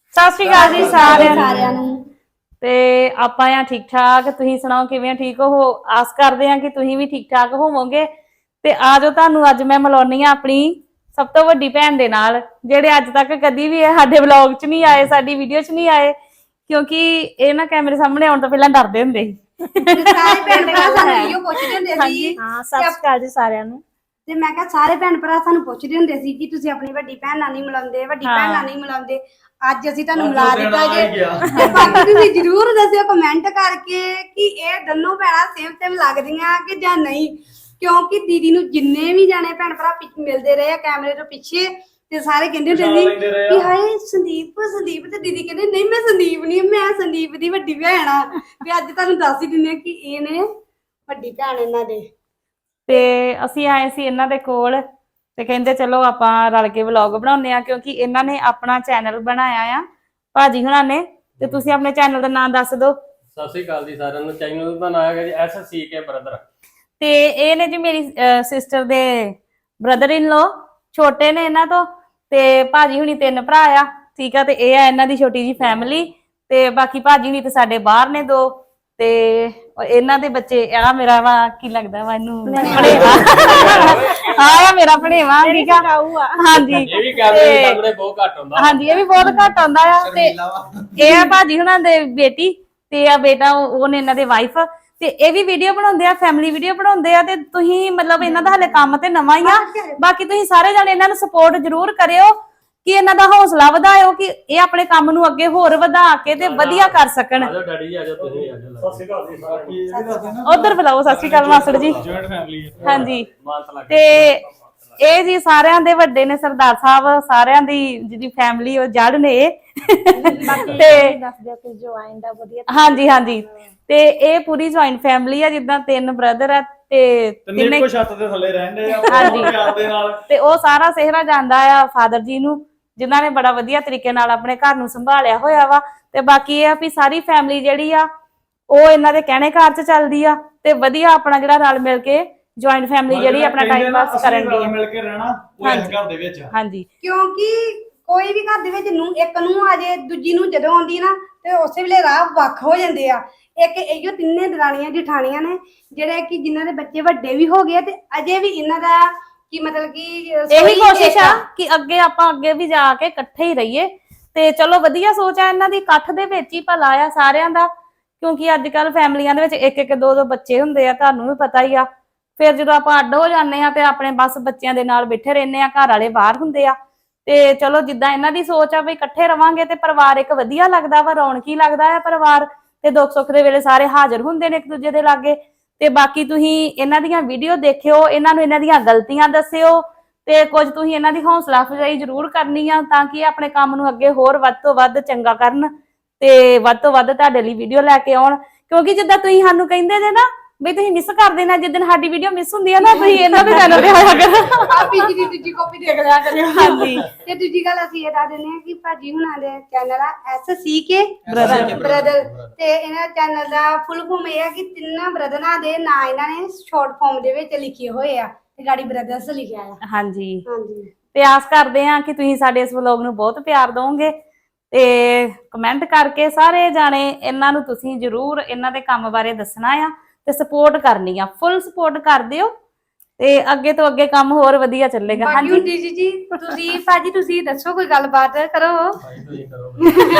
ਸਤਿ ਸ਼੍ਰੀ ਅਕਾਲ ਜੀ ਸਾਰਿਆਂ ਨੂੰ। ਤੇ ਆਪਾਂ ਆ ਠੀਕ ਠਾਕ, ਤੁਸੀਂ ਸੁਣਾਓ ਕਿਵੇਂ ਠੀਕ ਹੋ? ਆਸ ਕਰਦੇ ਆ ਕਿ ਤੁਸੀਂ ਵੀ ਠੀਕ ਠਾਕ ਹੋਵੋਗੇ। ਤੇ ਆ ਜੋ ਤੁਹਾਨੂੰ ਅੱਜ ਮੈਂ ਮਿਲਾਉਣੀ ਆ ਆਪਣੀ ਸਭ ਤੋਂ ਵੱਡੀ ਭੈਣ ਦੇ ਨਾਲ, ਜਿਹੜੇ ਅੱਜ ਤੱਕ ਕਦੀ ਵੀ ਸਾਡੇ ਵਲੌਗ 'ਚ ਨਹੀਂ ਆਏ, ਸਾਡੀ ਵੀਡੀਓ 'ਚ ਨਹੀਂ ਆਏ, ਕਿਉਂਕਿ ਇਹ ਨਾ ਕੈਮਰੇ ਸਾਹਮਣੇ ਆਉਣ ਤੋਂ ਪਹਿਲਾਂ ਡਰਦੇ ਹੁੰਦੇ ਸੀ। ਸਾਰੇ ਭੈਣ ਭਰਾ ਸਾਨੂੰ ਇਹੋ ਪੁੱਛਦੇ ਹੁੰਦੇ ਸੀ। ਹਾਂ, ਸਤਿ ਸ਼੍ਰੀ ਅਕਾਲ ਜੀ ਸਾਰਿਆਂ ਨੂੰ। ਤੇ ਮੈਂ ਕਿਹਾ ਸਾਰੇ ਭੈਣ ਭਰਾ ਸਾਨੂੰ ਪੁੱਛਦੇ ਹੁੰਦੇ ਸੀ ਕਿ ਤੁਸੀਂ ਆਪਣੀ ਵੱਡੀ ਭੈਣ ਨਾਲ ਨਹੀਂ ਮਿਲਾਉਂਦੇ, ਵੱਡੀ ਭੈਣ ਨਾਲ ਨਹੀਂ ਮਿਲਾਉਂਦੇ। ਅੱਜ ਅਸੀਂ ਤੁਹਾਨੂੰ ਮਿਲਾ ਦਿੱਤਾ ਜੇ। ਬਾਕੀ ਤੁਸੀਂ ਜਰੂਰ ਦੱਸਿਓ ਕਮੈਂਟ ਕਰਕੇ ਕਿ ਇਹ ਦੋਨੋਂ ਭੈਣਾਂ ਸੇਮ ਲੱਗਦੀਆਂ ਕਿ ਜਾਂ ਨਹੀਂ, ਕਿਉਂਕਿ ਦੀਦੀ ਨੂੰ ਜਿੰਨੇ ਵੀ ਜਾਣੇ ਭੈਣ ਭਰਾ ਮਿਲਦੇ ਰਹੇ ਆ ਕੈਮਰੇ ਤੋਂ ਪਿੱਛੇ, ਤੇ ਸਾਰੇ ਕਹਿੰਦੇ ਹੁੰਦੇ ਸੀ ਕਿ ਹਾਏ ਸੰਦੀਪ ਸੰਦੀਪ, ਤੇ ਦੀਦੀ ਕਹਿੰਦੇ ਨਹੀਂ ਮੈਂ ਸੰਦੀਪ ਨਹੀਂ, ਮੈਂ ਸੰਦੀਪ ਦੀ ਵੱਡੀ ਭੈਣ ਆ। ਵੀ ਅੱਜ ਤੁਹਾਨੂੰ ਦੱਸ ਹੀ ਦਿੰਦੇ ਕਿ ਇਹ ਨੇ ਵੱਡੀ ਭੈਣ ਇਹਨਾਂ ਦੇ। ਤੇ ਅਸੀਂ ਆਏ ਸੀ ਇਹਨਾਂ ਦੇ ਕੋਲ ਤੇ ਕਹਿੰਦੇ ਚਲੋ ਆਪਾਂ ਰਲ ਕੇ ਵਲੌਗ ਬਣਾਉਂਦੇ ਆ, ਕਿਉਂਕਿ ਇਹਨਾਂ ਨੇ ਆਪਣਾ ਚੈਨਲ ਬਣਾਇਆ ਆ ਭਾਜੀ ਹੁਣਾਂ ਨੇ। ਤੇ ਤੁਸੀਂ ਆਪਣੇ ਚੈਨਲ ਦਾ ਨਾਮ ਦੱਸ ਦਿਓ। ਸਤਿ ਸ਼੍ਰੀ ਅਕਾਲ ਜੀ ਸਾਰਿਆਂ ਨੂੰ। ਚੈਨਲ ਦਾ ਨਾਮ ਹੈਗਾ ਜੀ SCK ਬ੍ਰਦਰ। ਤੇ ਇਹ ਨੇ ਜੀ ਮੇਰੀ ਸਿਸਟਰ ਦੇ ਬ੍ਰਦਰ ਇਨ ਲੋ, ਛੋਟੇ ਨੇ ਇਹਨਾਂ ਤੋਂ। ਤੇ ਭਾਜੀ ਹੁਣੀ 3 ਭਰਾ ਆ, ਠੀਕ ਆ। ਤੇ ਇਹ ਆ ਇਹਨਾਂ ਦੀ ਛੋਟੀ ਜੀ ਫੈਮਿਲੀ। ਤੇ ਬਾਕੀ ਭਾਜੀ ਹੁਣੀ ਤੇ ਸਾਡੇ ਬਾਹਰ ਨੇ 2, ਤੇ ਇਹਨਾਂ ਦੇ ਬੱਚੇ ਆ ਮੇਰਾ ਵਾ ਕੀ ਲੱਗਦਾ ਵਾ ਇਹਨੂੰ ਭਣੇਵਾ। ਆ ਮੇਰਾ ਭਣੇਵਾ, ਠੀਕ ਆ। ਹਾਂਜੀ, ਇਹ ਵੀ ਕੈਮਰੇ ਸਾਹਮਣੇ ਬਹੁਤ ਘੱਟ ਹੁੰਦਾ। ਹਾਂਜੀ, ਇਹ ਵੀ ਬਹੁਤ ਘੱਟ ਆਉਂਦਾ ਆ। ਤੇ ਇਹ ਆ ਭਾਜੀ ਹੁਣਾਂ ਦੇ ਬੇਟੀ, ਤੇ ਆ ਬੇਟਾ ਉਹਨੇ ਇਹਨਾਂ ਦੇ ਵਾਈਫ। ਤੇ ਇਹ ਵੀ ਵੀਡੀਓ ਬਣਾਉਂਦੇ ਆ, ਫੈਮਿਲੀ ਵੀਡੀਓ ਬਣਾਉਂਦੇ ਆ। ਤੇ ਤੁਸੀਂ ਮਤਲਬ ਇਹਨਾਂ ਦਾ ਹਲੇ ਕੰਮ ਤੇ ਨਵਾਂ ਹੀ ਆ। ਬਾਕੀ ਤੁਸੀਂ ਸਾਰੇ ਜਾਣੇ ਇਹਨਾਂ ਨੂੰ ਸਪੋਰਟ ਜ਼ਰੂਰ ਕਰਿਓ ਕਿ ਇਹਨਾਂ ਦਾ ਹੌਸਲਾ ਵਧਾਇਓ ਕਿ ਇਹ ਆਪਣੇ ਕੰਮ ਨੂੰ ਅੱਗੇ ਹੋਰ ਵਧਾ ਕੇ ਤੇ ਵਧੀਆ ਕਰ ਸਕਣ। ਆਜੋ ਡੈਡੀ ਜੀ, ਆਜੋ ਤੁਸੀਂ ਆਜੋ। ਸਤਿ ਸ਼੍ਰੀ ਅਕਾਲ ਜੀ। ਉਧਰ ਬੁਲਾਓ। ਸਤਿ ਸ਼੍ਰੀ ਅਕਾਲ ਮਾਸੜ ਜੀ। ਜੁਆਇੰਟ ਫੈਮਿਲੀ ਹੈ। ਹਾਂਜੀ। ਮਾਨਤ ਲੱਗ ਤੇ ਇਹ ਜੀ ਸਾਰਿਆਂ ਦੇ ਵੱਡੇ ਨੇ ਸਰਦਾਰ ਸਾਹਿਬ, ਸਾਰਿਆਂ ਦੀ ਜਿਹੜੀ ਫੈਮਿਲੀ ਉਹ ਜੜ ਨੇ ਇਹ। ਤੇ ਦੱਸ ਦਿਓ ਕਿ ਜੁਆਇਨ ਦਾ ਵਧੀਆ। ਹਾਂਜੀ ਹਾਂਜੀ, ਤੇ ਇਹ ਪੂਰੀ ਜੁਆਇੰਟ ਫੈਮਿਲੀ ਆ, ਜਿੱਦਾਂ 3 ਬ੍ਰਦਰ ਆ ਤੇ ਤਿੰਨੇ ਇੱਕੋ ਛੱਤ ਦੇ ਥੱਲੇ ਰਹਿੰਦੇ ਆ। ਹਾਂਜੀ। ਪਿਆਰ ਦੇ ਨਾਲ। ਤੇ ਉਹ ਸਾਰਾ ਸਿਹਰਾ ਜਾਂਦਾ ਆ ਫਾਦਰ ਜੀ ਨੂੰ, ਜਿਨ੍ਹਾਂ ਨੇ ਬੜਾ ਵਧੀਆ ਤਰੀਕੇ ਨਾਲ ਆਪਣੇ ਘਰ ਨੂੰ ਸੰਭਾਲਿਆ ਹੋਇਆ ਵਾ। ਤੇ ਬਾਕੀ ਇਹ ਆ ਵੀ ਸਾਰੀ ਫੈਮਿਲੀ ਜਿਹੜੀ ਆ ਉਹ ਇਹਨਾਂ ਦੇ ਕਹਿਣੇ ਘਰ 'ਚ ਚੱਲਦੀ ਆ, ਤੇ ਵਧੀਆ ਆਪਣਾ ਜਿਹੜਾ ਰਲ ਮਿਲ ਕੇ ਜੁਆਇੰਟ ਫੈਮਿਲੀ ਜਿਹੜੀ ਆਪਣਾ ਟਾਈਮ ਪਾਸ ਕਰਨ ਦੀ ਮਿਲ ਕੇ ਰਹਿਣਾ ਉਹ ਇਸ ਘਰ ਦੇ ਵਿੱਚ। ਹਾਂਜੀ, ਕਿਉਂਕਿ ਕੋਈ ਵੀ ਘਰ ਦੇ ਵਿੱਚ ਨੂੰ ਇੱਕ ਨੂੰ ਆ ਜੇ, ਦੂਜੀ ਨੂੰ ਜਦੋਂ ਆਉਂਦੀ ਨਾ ਤੇ ਉਸੇ ਵੇਲੇ ਰਾਹ ਵੱਖ ਹੋ ਜਾਂਦੇ ਆ। ਇੱਕ ਇਹੋ 3 ਦਰਾਣੀਆਂ ਜਠਾਣੀਆਂ ਨੇ ਜਿਹੜੇ ਕਿ ਜਿਨ੍ਹਾਂ ਦੇ ਬੱਚੇ ਵੱਡੇ ਵੀ ਹੋ ਗਏ, ਤੇ ਅਜੇ ਵੀ ਇਹਨਾਂ ਦਾ ਕੀ ਮਤਲਬ ਕਿ ਇਹੀ ਕੋਸ਼ਿਸ਼ ਆ ਕਿ ਅੱਗੇ ਆਪਾਂ ਅੱਗੇ ਵੀ ਜਾ ਕੇ ਇਕੱਠੇ ਹੀ ਰਹੀਏ। ਤੇ ਚਲੋ ਵਧੀਆ ਸੋਚ ਆ ਇਹਨਾਂ ਦੀ, ਇਕੱਠ ਦੇ ਵਿੱਚ ਹੀ ਭਲਾ ਆ ਸਾਰਿਆਂ ਦਾ। ਕਿਉਂਕਿ ਅੱਜ ਕੱਲ ਫੈਮਲੀਆਂ ਦੇ ਵਿੱਚ 1-1 2-2 ਬੱਚੇ ਹੁੰਦੇ ਆ, ਤੁਹਾਨੂੰ ਵੀ ਪਤਾ ਹੀ ਆ। ਫਿਰ ਜਦੋਂ ਆਪਾਂ ਅੱਡ ਹੋ ਜਾਂਦੇ ਆ ਤੇ ਆਪਣੇ ਬਸ ਬੱਚਿਆਂ ਦੇ ਨਾਲ ਬੈਠੇ ਰਹਿੰਦੇ ਆ, ਘਰ ਵਾਲੇ ਬਾਹਰ ਹੁੰਦੇ ਆ। ਤੇ ਚਲੋ ਜਿੱਦਾਂ ਇਹਨਾਂ ਦੀ ਸੋਚ ਆ ਵੀ ਇਕੱਠੇ ਰਵਾਂਗੇ ਤੇ ਪਰਿਵਾਰ ਇੱਕ ਵਧੀਆ ਲੱਗਦਾ ਵਾ, ਰੌਣਕੀ ਲੱਗਦਾ ਆ ਪਰਿਵਾਰ। ਤੇ ਦੁੱਖ ਸੁੱਖ ਦੇ ਵੇਲੇ ਸਾਰੇ ਹਾਜ਼ਰ ਹੁੰਦੇ ਨੇ ਇੱਕ ਦੂਜੇ ਦੇ ਲਾਗੇ। ਤੇ ਬਾਕੀ ਤੁਸੀਂ ਇਹਨਾਂ ਦੀਆਂ ਵੀਡੀਓ ਦੇਖਿਓ, ਇਹਨਾਂ ਨੂੰ ਇਹਨਾਂ ਦੀਆਂ ਗਲਤੀਆਂ ਦੱਸਿਓ, ਤੇ ਕੁਝ ਤੁਸੀਂ ਇਹਨਾਂ ਦੀ ਹੌਸਲਾ ਅਫਜ਼ਾਈ ਜ਼ਰੂਰ ਕਰਨੀ ਆ ਤਾਂ ਕਿ ਆਪਣੇ ਕੰਮ ਨੂੰ ਅੱਗੇ ਹੋਰ ਵੱਧ ਤੋਂ ਵੱਧ ਚੰਗਾ ਕਰਨ ਤੇ ਵੱਧ ਤੋਂ ਵੱਧ ਤੁਹਾਡੇ ਲਈ ਵੀਡੀਓ ਲੈ ਕੇ ਆਉਣ। ਕਿਉਂਕਿ ਜਿੱਦਾਂ ਤੁਸੀਂ ਸਾਨੂੰ ਕਹਿੰਦੇ ਜੇ ਨਾ ਵੀ ਤੁਸੀਂ ਮਿਸ ਕਰ ਦੇਣਾ, ਜਿੱਦਣ ਸਾਡੀ ਵੀਡੀਓ ਮਿਸ ਹੁੰਦੀ ਆ ਨਾ, ਤੁਸੀਂ ਇਹਨਾਂ ਦੇ ਚੈਨਲ ਤੇ ਆਇਆ ਕਰੋ। ਆਪੀ ਜੀ ਦੀ ਦੂਜੀ ਕਾਪੀ ਦੇਖ ਲਿਆ ਕਰਿਓ। ਹਾਂਜੀ। ਤੇ ਦੂਜੀ ਗੱਲ ਅਸੀਂ ਇਹ ਦੱਸ ਦਿੰਦੇ ਹਾਂ ਕਿ ਭਾਜੀ ਹੁਣਾਂ ਦੇ ਚੈਨਲ ਆ SCK ਬ੍ਰਦਰ। ਤੇ ਇਹਨਾਂ ਚੈਨਲ ਦਾ ਫੁੱਲ ਫਾਰਮ ਇਹ ਹੈ ਕਿ 3 ਬ੍ਰਦਰਾਂ ਦੇ ਨਾਂ ਇਹਨਾਂ ਨੇ ਸ਼ਾਰਟ ਫਾਰਮ ਦੇ ਵਿੱਚ ਲਿਖੇ ਹੋਏ ਆ, ਤੇ ਗਾੜੀ ਬ੍ਰਦਰਸ ਲਿਖਿਆ ਆ। ਹਾਂਜੀ, ਹਾਂਜੀ। ਤੇ ਆਸ ਕਰਦੇ ਆ ਕਿ ਤੁਸੀਂ ਸਾਡੇ ਇਸ ਵਲੌਗ ਨੂੰ ਬਹੁਤ ਪਿਆਰ ਦਿਓਗੇ। ਤੇ ਕਮੈਂਟ ਕਰਕੇ ਸਾਰੇ ਜਾਣੇ ਇਹਨਾਂ ਨੂੰ ਤੁਸੀਂ ਜ਼ਰੂਰ ਇਹਨਾਂ ਦੇ ਕੰਮ ਬਾਰੇ ਦੱਸਣਾ ਆ ਤੇ ਸਪੋਰਟ ਕਰਨੀ ਆ, ਫੁੱਲ ਸਪੋਰਟ ਕਰ ਦਿਓ ਤੇ ਅੱਗੇ ਤੋਂ ਅੱਗੇ ਕੰਮ ਹੋਰ ਵਧੀਆ ਚੱਲੇਗਾ। ਹਾਂਜੀ ਦੀਦੀ ਜੀ, ਤੁਸੀਂ ਭਾਜੀ ਤੁਸੀਂ ਦੱਸੋ, ਕੋਈ ਗੱਲਬਾਤ ਕਰੋ। ਤੁਸੀਂ ਕਰੋ।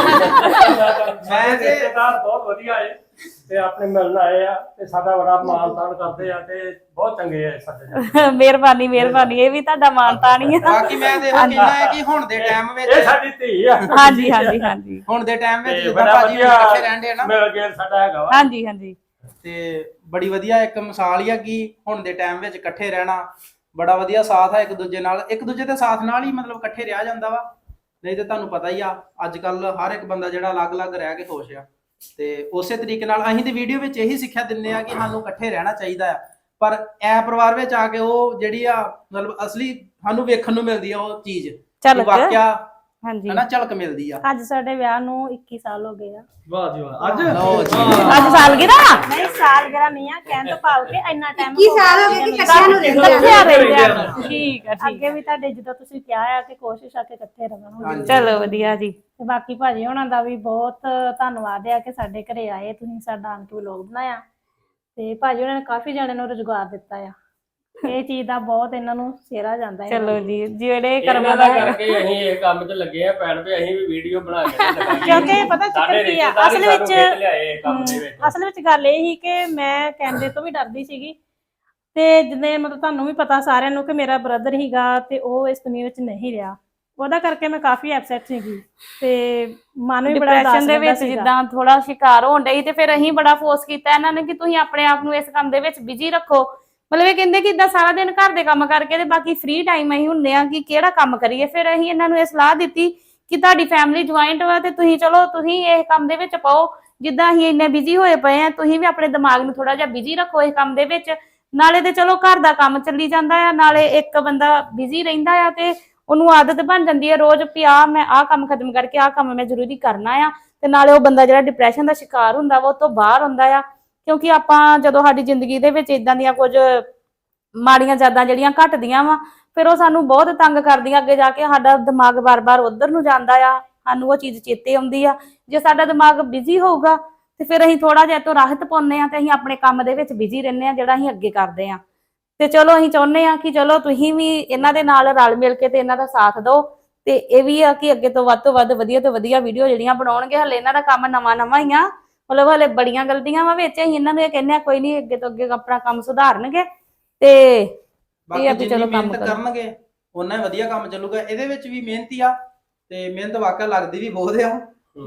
ਮੈਂ ਤੇ ਰਿਸ਼ਤੇਦਾਰ ਬਹੁਤ ਵਧੀਆ ਹੈ ਤੇ ਆਪਣੇ ਮਿਲਣ ਆਏ ਆ ਤੇ ਸਾਡਾ ਬੜਾ ਮਾਣ ਤਾਣ ਕਰਦੇ ਆ ਤੇ ਬਹੁਤ ਚੰਗੇ ਆ ਸਾਡੇ। ਮਿਹਰਬਾਨੀ ਮਿਹਰਬਾਨੀ, ਇਹ ਵੀ ਤੁਹਾਡਾ ਮਾਣ ਤਾਣ ਹੀ ਆ। ਬਾਕੀ ਮੈਂ ਤੇ ਇਹ ਕਹਿਣਾ ਹੈ ਕਿ ਹੁਣ ਦੇ ਟਾਈਮ ਵਿੱਚ ਇਹ ਸਾਡੀ ਧੀ ਆ। ਹਾਂਜੀ ਹਾਂਜੀ ਹਾਂਜੀ ਹੁਣ ਦੇ ਟਾਈਮ ਵਿੱਚ ਤੇ ਜਿੱਦਾਂ ਬੜਾ ਭਾਜੀ ਵਧੀਆ ਇਕੱਠੇ ਰਹਿੰਦੇ ਆ ਨਾ, ਮਿਲ ਗਿਆ ਸਾਡਾ ਹੈਗਾ ਵਾ। ਹਾਂਜੀ ਹਾਂਜੀ, ਤੇ ਬੜੀ ਵਧੀਆ ਇੱਕ ਮਿਸਾਲ ਹੀ ਆ ਕਿ ਹੁਣ ਦੇ ਟਾਈਮ ਵਿੱਚ ਇਕੱਠੇ ਰਹਿਣਾ ਬੜਾ ਵਧੀਆ ਸਾਥ ਹੈ ਇੱਕ ਦੂਜੇ ਨਾਲ, ਇੱਕ ਦੂਜੇ ਦੇ ਸਾਥ ਨਾਲ ਹੀ ਮਤਲਬ ਇਕੱਠੇ ਰਿਹਾ ਜਾਂਦਾ ਵਾ। ਨਹੀਂ ਤੇ ਤੁਹਾਨੂੰ ਪਤਾ ਹੀ ਆ ਅੱਜ ਕੱਲ ਹਰ ਇੱਕ ਬੰਦਾ ਜਿਹੜਾ ਅਲੱਗ-ਅਲੱਗ ਰਹਿ ਕੇ ਖੁਸ਼ ਆ। ਤੇ ਉਸੇ ਤਰੀਕੇ ਨਾਲ ਅਸੀਂ ਤੇ ਵੀਡੀਓ ਵਿੱਚ ਇਹੀ ਸਿੱਖਿਆ ਦਿੰਦੇ ਆ ਕਿ ਸਾਨੂੰ ਇਕੱਠੇ ਰਹਿਣਾ ਚਾਹੀਦਾ ਆ। ਪਰ ਐ ਪਰਿਵਾਰ ਵਿੱਚ ਆ ਕੇ ਉਹ ਜਿਹੜੀ ਆ ਮਤਲਬ ਅਸਲੀ ਸਾਨੂੰ ਵੇਖਣ ਨੂੰ ਮਿਲਦੀ ਆ ਉਹ ਚੀਜ਼ ਚੱਲ ਵਾਕਿਆ ਹਾਂਜੀ ਹਨਾ ਝਲਕ ਮਿਲਦੀ ਆ। ਅੱਜ ਸਾਡੇ ਵਿਆਹ ਨੂੰ 21 ਸਾਲ ਹੋ ਗਏ ਆ। ਵਾਹ ਜੀ ਵਾਹ। ਅੱਜ ਲਓ ਜੀ। ਅੱਜ ਸਾਲਗਿਰਾ ਨਹੀਂ ਸਾਲਗਿਰਾ ਨਹੀਂ ਆ, ਕਹਿਣ ਤੋਂ ਭਾਵ ਕਿ ਇੰਨਾ ਟਾਈਮ 21 ਸਾਲ ਹੋ ਗਏ ਕਿ ਇਕੱਠਿਆਂ ਨੂੰ ਰਹਿੰਦੇ ਆ। ਇਕੱਠੇ ਰਹਿੰਦੇ ਆ। ਠੀਕ ਆ ਠੀਕ ਅੱਗੇ ਵੀ ਤੁਹਾਡੇ ਜਦੋਂ ਤੁਸੀਂ ਕਿਹਾ ਆ ਕਿ ਕੋਸ਼ਿਸ਼ ਆ ਕਿ ਇਕੱਠੇ ਰਵਾਂਗੇ। ਹਾਂਜੀ। ਚਲੋ ਵਧੀਆ ਜੀ। ਤੇ ਬਾਕੀ ਭਾਜੀ ਉਹਨਾਂ ਦਾ ਵੀ ਬਹੁਤ ਧੰਨਵਾਦ ਆ ਕਿ ਸਾਡੇ ਘਰੇ ਆਏ, ਤੁਸੀਂ ਸਾਡਾ ਆਣ ਕੇ ਵਲੋਗ ਬਣਾਇਆ। ਤੇ ਭਾਜੀ ਉਹਨਾਂ ਨੇ ਕਾਫੀ ਜਣਿਆਂ ਨੂੰ ਰੁਜ਼ਗਾਰ ਦਿੱਤਾ ਆ। ਇਹ ਚੀਜ਼ ਦਾ ਬਹੁਤ ਇਹਨਾਂ ਨੂੰ ਸਿਹਰਾ ਜਾਂਦਾ ਹੈ। ਚਲੋ ਜੀ ਜਿਹੜੇ ਇਹਨਾਂ ਕਰਮਾਂ ਦਾ ਦਾ ਕਰਕੇ ਅਸੀਂ ਇਹ ਕੰਮ 'ਚ ਲੱਗੇ ਆ ਭੈਣ ਵੀ ਅਸੀਂ ਵੀ ਵੀਡੀਓ ਬਣਾ ਕੇ ਲਗਾਈਏ। ਕਿਉਂਕਿ ਪਤਾ ਚੱਕਰ ਕੀ ਆ, ਅਸਲ ਵਿੱਚ ਲਿਆਏ ਕੰਮ ਦੇ ਵਿੱਚ ਅਸਲ ਵਿੱਚ ਗੱਲ ਇਹ ਸੀ ਕਿ ਮੈਂ ਕੈਮਰੇ ਤੋਂ ਵੀ ਡਰਦੀ ਸੀਗੀ ਤੇ ਜਿਵੇਂ ਮਤਲਬ ਤੁਹਾਨੂੰ ਵੀ ਪਤਾ ਸਾਰਿਆਂ ਨੂੰ ਕਿ ਮੇਰਾ ਬ੍ਰਦਰ ਹੀਗਾ ਤੇ ਉਹ ਇਸ ਦੁਨੀਆ ਵਿੱਚ ਨਹੀਂ ਰਿਹਾ, ਉਹਦਾ ਕਰਕੇ ਮੈਂ ਕਾਫੀ ਅਪਸੈਟ ਸੀਗੀ ਤੇ ਮਨ ਵੀ ਬੜਾ ਡਿਪਰੈਸ਼ਨ ਦੇ ਵਿੱਚ ਸੀਗਾ। ਜਿੱਦਾਂ ਥੋੜਾ ਸ਼ਿਕਾਰ ਹੋਣ ਡਈ ਤੇ ਫਿਰ ਅਸੀਂ ਬੜਾ ਫੋਰਸ ਕੀਤਾ ਇਹਨਾਂ ਨੇ ਕਿ ਤੁਸੀਂ ਆਪਣੇ ਆਪ ਨੂੰ ਇਸ ਕੰਮ ਦੇ ਵਿੱਚ ਬਿਜੀ ਰੱਖੋ। ਮਤਲਬ ਇਹ ਕਹਿੰਦੇ ਕਿ ਇਦਾਂ ਸਾਰਾ ਦਿਨ ਘਰ ਦੇ ਕੰਮ ਕਰਕੇ ਤੇ ਬਾਕੀ ਫ੍ਰੀ ਟਾਈਮ ਅਸੀਂ ਹੁੰਦੇ ਆ ਕਿ ਕਿਹੜਾ ਕੰਮ ਕਰੀਏ। ਫਿਰ ਅਸੀਂ ਇਹਨਾਂ ਨੂੰ ਇਹ ਸਲਾਹ ਦਿੱਤੀ ਕਿ ਤੁਹਾਡੀ ਫੈਮਿਲੀ ਜੁਆਇੰਟ ਵਾ ਤੇ ਤੁਸੀਂ ਚਲੋ ਤੁਸੀਂ ਇਹ ਕੰਮ ਦੇ ਵਿੱਚ ਪਾਓ। ਜਿੱਦਾਂ ਅਸੀਂ ਇੰਨੇ ਬਿਜੀ ਹੋਏ ਪਏ ਆ, ਤੁਸੀਂ ਵੀ ਆਪਣੇ ਦਿਮਾਗ ਨੂੰ ਥੋੜਾ ਜਿਹਾ ਬਿਜੀ ਰੱਖੋ ਇਸ ਕੰਮ ਦੇ ਵਿੱਚ। ਨਾਲੇ ਤੇ ਚਲੋ ਘਰ ਦਾ ਕੰਮ ਚੱਲੀ ਜਾਂਦਾ ਆ, ਨਾਲੇ ਇੱਕ ਬੰਦਾ ਬਿਜੀ ਰਹਿੰਦਾ ਆ ਤੇ ਉਹਨੂੰ ਆਦਤ ਬਣ ਜਾਂਦੀ ਹੈ ਰੋਜ਼ ਵੀ ਮੈਂ ਆਹ ਕੰਮ ਖਤਮ ਕਰਕੇ ਆਹ ਕੰਮ ਮੈਂ ਜ਼ਰੂਰੀ ਕਰਨਾ ਆ। ਤੇ ਨਾਲੇ ਉਹ ਬੰਦਾ ਜਿਹੜਾ ਡਿਪਰੈਸ਼ਨ ਦਾ ਸ਼ਿਕਾਰ ਹੁੰਦਾ ਵਾ ਉਹ ਤੋਂ ਬਾਹਰ ਹੁੰਦਾ ਆ। ਕਿਉਂਕਿ ਆਪਾਂ ਜਦੋਂ ਸਾਡੀ ਜ਼ਿੰਦਗੀ ਦੇ ਵਿੱਚ ਇਦਾਂ ਦੀਆਂ ਕੁਝ ਮਾੜੀਆਂ ਯਾਦਾਂ ਜਿਹੜੀਆਂ ਘਟਦੀਆਂ ਵਾ ਫਿਰ ਉਹ ਸਾਨੂੰ ਬਹੁਤ ਤੰਗ ਕਰਦੀਆਂ। ਅੱਗੇ ਜਾ ਕੇ ਸਾਡਾ ਦਿਮਾਗ ਬਾਰ-ਬਾਰ ਉਧਰ ਨੂੰ ਜਾਂਦਾ ਆ, ਸਾਨੂੰ ਉਹ ਚੀਜ਼ ਚੇਤੇ ਆਉਂਦੀ ਆ। ਜੇ ਸਾਡਾ ਦਿਮਾਗ ਬਿਜ਼ੀ ਹੋਊਗਾ ਤੇ ਫਿਰ ਅਸੀਂ ਥੋੜਾ ਜਿਹਾ ਤੋਂ ਰਾਹਤ ਪਾਉਂਦੇ ਆ ਤੇ ਅਸੀਂ ਆਪਣੇ ਕੰਮ ਦੇ ਵਿੱਚ ਬਿਜ਼ੀ ਰਹਿੰਦੇ ਆ ਜਿਹੜਾ ਅਸੀਂ ਅੱਗੇ ਕਰਦੇ ਆ। ਤੇ ਚਲੋ ਅਸੀਂ ਚਾਹੁੰਦੇ ਆ ਕਿ ਚਲੋ ਤੁਸੀਂ ਵੀ ਇਹਨਾਂ ਦੇ ਨਾਲ ਰਲ ਮਿਲ ਕੇ ਤੇ ਇਹਨਾਂ ਦਾ ਸਾਥ ਦਿਓ ਤੇ ਇਹ ਵੀ ਆ ਕਿ ਅੱਗੇ ਤੋਂ ਵੱਧ ਵਧੀਆ ਤੋਂ ਵਧੀਆ ਵੀਡੀਓ ਜਿਹੜੀਆਂ ਬਣਾਉਣਗੇ। ਹਲੇ ਇਹਨਾਂ ਦਾ ਕੰਮ ਨਵਾਂ ਹੀ ਆ, ਮਤਲਬ ਹਲੇ ਬੜੀਆਂ ਗਲਤੀਆਂ ਵਾ ਵਿੱਚ। ਅਸੀਂ ਇਹਨਾਂ ਨੂੰ ਇਹ ਕਹਿੰਦੇ ਆ ਕੋਈ ਨਹੀਂ ਅੱਗੇ ਤੋਂ ਅੱਗੇ ਆਪਣਾ ਕੰਮ ਸੁਧਾਰਨਗੇ ਤੇ ਬਾਕੀ ਜਿੰਨੀ ਮਿਹਨਤ ਕਰਨਗੇ ਉਹਨਾਂ ਹੀ ਵਧੀਆ ਕੰਮ ਚੱਲੂਗਾ। ਇਹਦੇ ਵਿੱਚ ਵੀ ਮਿਹਨਤੀ ਆ ਤੇ ਮਿਹਨਤ ਵਾਕਿਆ ਲੱਗਦੀ ਵੀ ਬਹੁਤ ਆ।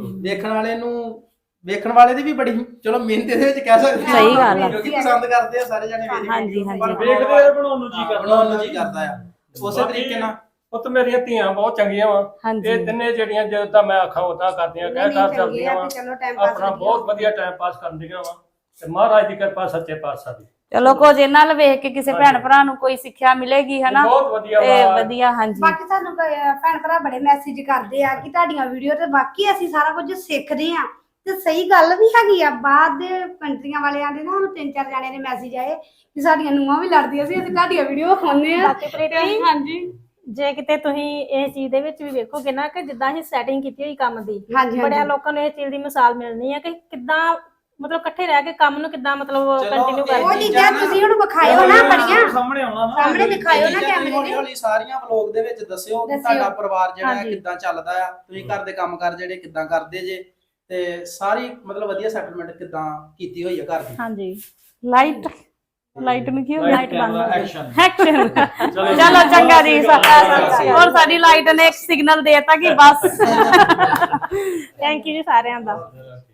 ਵੇਖਣ ਵਾਲੇ ਦੀ ਵੀ ਬੜੀ ਚਲੋ ਮਿਹਨਤ ਇਹਦੇ ਵਿੱਚ ਕਹਿ ਸਕਦੇ ਆ। ਸਹੀ ਗੱਲ ਆ। ਕਿਉਂਕਿ ਪਸੰਦ ਕਰਦੇ ਆ ਸਾਰੇ ਜਣੇ ਹਾਂਜੀ, ਹਾਂਜੀ। ਪਰ ਵੇਖਦੇ ਆ ਬਣਾਉਣ ਨੂੰ ਜੀ ਕਰਦਾ ਆ। ਉਸੇ ਤਰੀਕੇ ਨਾਲ ਪੁੱਤ ਮੇਰੀਆਂ ਧੀਆਂ ਬਹੁਤ ਚੰਗੀਆਂ ਵਾ। ਹਾਂਜੀ। ਇਹ ਤਿੰਨੇ ਜਿਹੜੀਆਂ ਜਦੋਂ ਤਾਂ ਮੈਂ ਆਖਾਂ ਉਦਾਂ ਕਰਦੀਆਂ ਕਰਦੀਆਂ ਵਾ। ਚਲੋ ਟਾਈਮ ਪਾਸ ਆਪਣਾ ਬਹੁਤ ਵਧੀਆ ਟਾਈਮ ਪਾਸ ਕਰਦੀਆਂ ਵਾ ਤੇ ਮਹਾਰਾਜ ਦੀ ਕਿਰਪਾ ਸੱਚੇ ਪਾਤਸ਼ਾਹ ਦੀ। ਚਲੋ ਕੁਝ ਇਹਨਾਂ ਨਾਲ ਵੇਖ ਕੇ ਕਿਸੇ ਭੈਣ ਭਰਾ ਨੂੰ ਕੋਈ ਸਿੱਖਿਆ ਮਿਲੇਗੀ ਹਨਾ ਬਹੁਤ ਵਧੀਆ ਤੇ ਵਾ। ਵਧੀਆ। ਹਾਂਜੀ ਬਾਕੀ ਸਾਨੂੰ ਭੈਣ ਭਰਾ ਬੜੇ ਮੈਸੇਜ ਕਰਦੇ ਆ ਕਿ ਤੁਹਾਡੀਆਂ ਵੀਡੀਓ ਤੇ ਬਾਕੀ ਅਸੀਂ ਸਾਰਾ ਕੁਝ ਸਿੱਖਦੇ ਆ ਤੇ ਸਹੀ ਗੱਲ ਵੀ ਹੈਗੀ ਆ। ਬਾਹਰ ਦੇ ਕੰਟਰੀਆਂ ਵਾਲਿਆਂ ਦੇ ਨਾ ਸਾਨੂੰ 3-4 ਜਾਣਿਆਂ ਦੇ ਮੈਸੇਜ ਆਏ ਕਿ ਸਾਡੀਆਂ ਨੂੰਹਾਂ ਵੀ ਲੜਦੀਆਂ ਸੀ, ਅਸੀਂ ਤੁਹਾਡੀਆਂ ਵੀਡੀਓ ਵਿਖਾਉਂਦੇ ਆ। ਬਾਕੀ ਪ੍ਰੀਤੀ ਹਾਂਜੀ ਜੇ ਕਿਤੇ ਤੁਸੀਂ ਇਹ ਚੀਜ਼ ਦੇ ਵਿੱਚ ਵੀ ਵੇਖੋਗੇ ਨਾ ਕਿ ਜਿੱਦਾਂ ਅਸੀਂ ਸੈਟਿੰਗ ਕੀਤੀ ਹੋਈ ਕੰਮ ਦੀ, ਹਾਂਜੀ, ਬੜਿਆਂ ਲੋਕਾਂ ਨੂੰ ਇਹ ਚੀਜ਼ ਦੀ ਮਿਸਾਲ ਮਿਲਣੀ ਹੈ ਕਿ ਕਿੱਦਾਂ ਮਤਲਬ ਇਕੱਠੇ ਰਹਿ ਕੇ ਕੰਮ ਨੂੰ ਕਿੱਦਾਂ ਮਤਲਬ ਕੰਟੀਨਿਊ ਉਹ ਕਰਦੇ। ਚੀਜ਼ਾਂ ਤੁਸੀਂ ਹੁਣ ਵਿਖਾਇਓ ਨਾ ਬੜੀਆਂ ਸਾਹਮਣੇ ਆਉਣਾ ਨਾ ਸਾਹਮਣੇ ਦਿਖਾਇਓ ਨਾ ਕੈਮਰੇ ਹੌਲੀ ਦੇ। ਹੌਲੀ ਸਾਰੀਆਂ ਵਲੌਗ ਦੇ ਵਿੱਚ ਦੱਸਿਓ ਕਿ ਤੁਹਾਡਾ ਪਰਿਵਾਰ ਜਿਹੜਾ ਹੈ ਕਿੱਦਾਂ ਚੱਲਦਾ ਆ, ਤੁਸੀਂ ਘਰ ਦੇ ਕੰਮਕਾਰ ਜਿਹੜੇ ਕਿੱਦਾਂ ਕਰਦੇ ਜੇ ਤੇ ਸਾਰੀ ਮਤਲਬ ਵਧੀਆ ਸੈਟਲਮੈਂਟ ਕਿੱਦਾਂ ਕੀਤੀ ਹੋਈ ਹੈ ਘਰ ਦੀ। ਹਾਂਜੀ ਲਾਈਟ ਨੂੰ ਕੀ ਲਾਈਟ ਬੰਦ ਐਕਸ਼ਨ। ਐਕਸ਼ਨ। ਚਲੋ ਚੰਗਾ ਜੀ। ਹੋਰ ਸਾਡੀ ਲਾਈਟ ਨੇ ਇੱਕ ਸਿਗਨਲ ਦੇਤਾ ਕਿ ਬਸ। ਥੈਂਕ ਯੂ ਜੀ ਸਾਰਿਆਂ ਦਾ।